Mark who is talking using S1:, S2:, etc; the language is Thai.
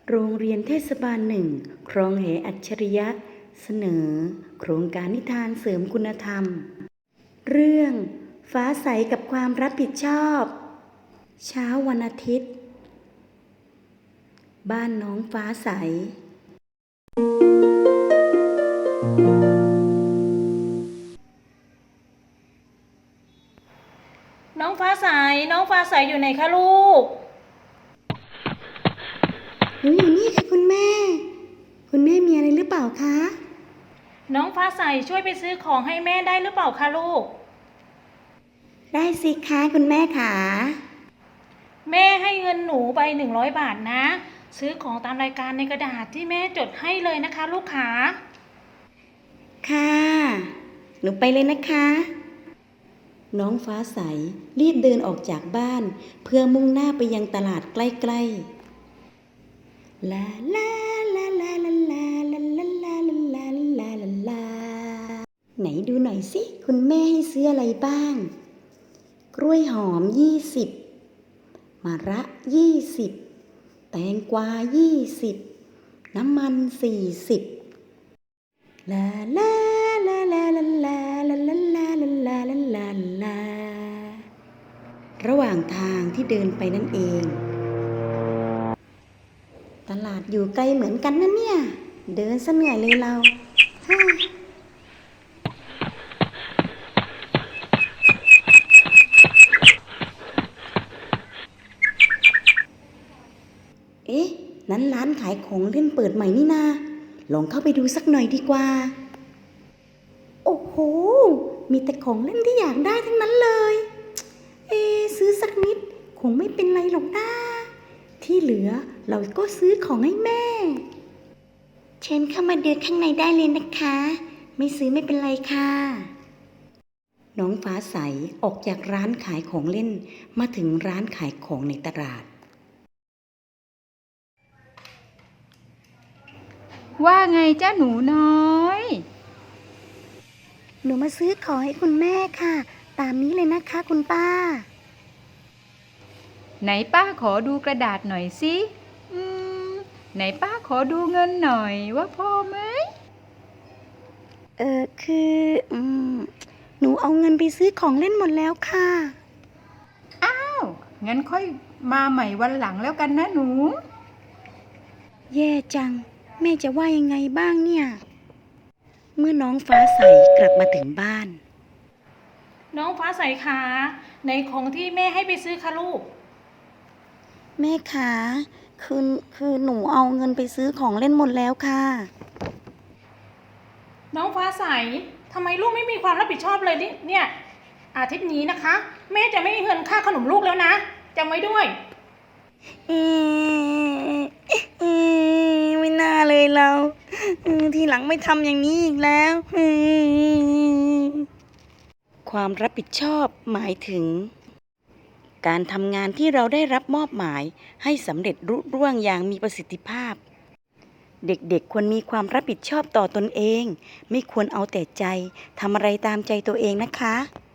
S1: โรงเรียนเทศบาลหนึ่งคลองแหอัจฉริยะเสนอโครงการนิทานเสริมคุณธรรมเรื่องฟ้าใสกับความรับผิดชอบเช้าวันอาทิตย์บ้านน้องฟ้าใส
S2: น้องฟ้าใสอยู่ไหนคะลูก
S1: หนูอยู่นี่ค่ะคุณแม่ คุณแม่มีอะไรหรือเปล่าคะ
S2: น้องฟ้าใสช่วยไปซื้อของให้แม่ได้หรือเปล่าคะลูก
S1: ได้สิคะคุณแม่ค่ะ
S2: แม่ให้เงินหนูไป100 บาทนะซื้อของตามรายการในกระดาษที่แม่จดให้เลยนะคะลูกขา
S1: ค่ะหนูไปเลยนะคะน้องฟ้าใสรีบเดินออกจากบ้านเพื่อมุ่งหน้าไปยังตลาดใกล้ๆลาลาลาลาลาลาลาลาลาลาลาลาลาไหนดูหน่อยสิคุณแม่ให้ซื้ออะไรบ้างกล้วยหอม20มะระ20แตงกวา20น้ำมัน40ลาลาลาลาลาลาลาลาลาลาลาลาลาลาระหว่างทางที่เดินไปนั่นเองตลาดอยู่ไกลเหมือนกันนะเนี่ยเดินซะเหนื่อยเลยเราเอ๊ะนั้นร้านขายของเล่นเปิดใหม่นี่นาลองเข้าไปดูสักหน่อยดีกว่าโอ้โหมีแต่ของเล่นที่อยากได้ทั้งนั้นเลยซื้อสักนิดคงไม่เป็นไรหรอกนะที่เหลือเราก็ซื้อของให้แม่เชิญเข้ามาดูข้างในได้เลยนะคะไม่ซื้อไม่เป็นไรค่ะน้องฟ้าใสออกจากร้านขายของเล่นมาถึงร้านขายของในตลาด
S3: ว่าไงจ้าหนูน้อย
S1: หนูมาซื้อของให้คุณแม่ค่ะตามนี้เลยนะคะคุณป้า
S3: ไหนป้าขอดูกระดาษหน่อยสิไหนป้าขอดูเงินหน่อยว่าพอไหม
S1: คือหนูเอาเงินไปซื้อของเล่นหมดแล้วค่ะ
S3: อ้าวงั้นค่อยมาใหม่วันหลังแล้วกันนะหนู
S1: แย่จังแม่จะว่ายังไงบ้างเนี่ยเมื่อน้องฟ้าใสกลับมาถึงบ้าน
S2: น้องฟ้าใสขาในของที่แม่ให้ไปซื้อคะลูก
S1: แม่ขาคือหนูเอาเงินไปซื้อของเล่นหมดแล้วค่ะ
S2: น้องฟ้าใสทำไมลูกไม่มีความรับผิดชอบเลยเนี่ยอาทิตย์นี้นะคะแม่จะไม่มีเงินค่าขนมลูกแล้วนะจำไว้ด้วย
S1: ไม่น่าเลยเราทีหลังไม่ทำอย่างนี้อีกแล้วความรับผิดชอบหมายถึงการทำงานที่เราได้รับมอบหมายให้สำเร็จรุ่ร่วงอย่างมีประสิทธิภาพเด็กๆควรมีความรับผิดชอบต่อตนเองไม่ควรเอาแต่ใจทำอะไรตามใจตัวเองนะคะ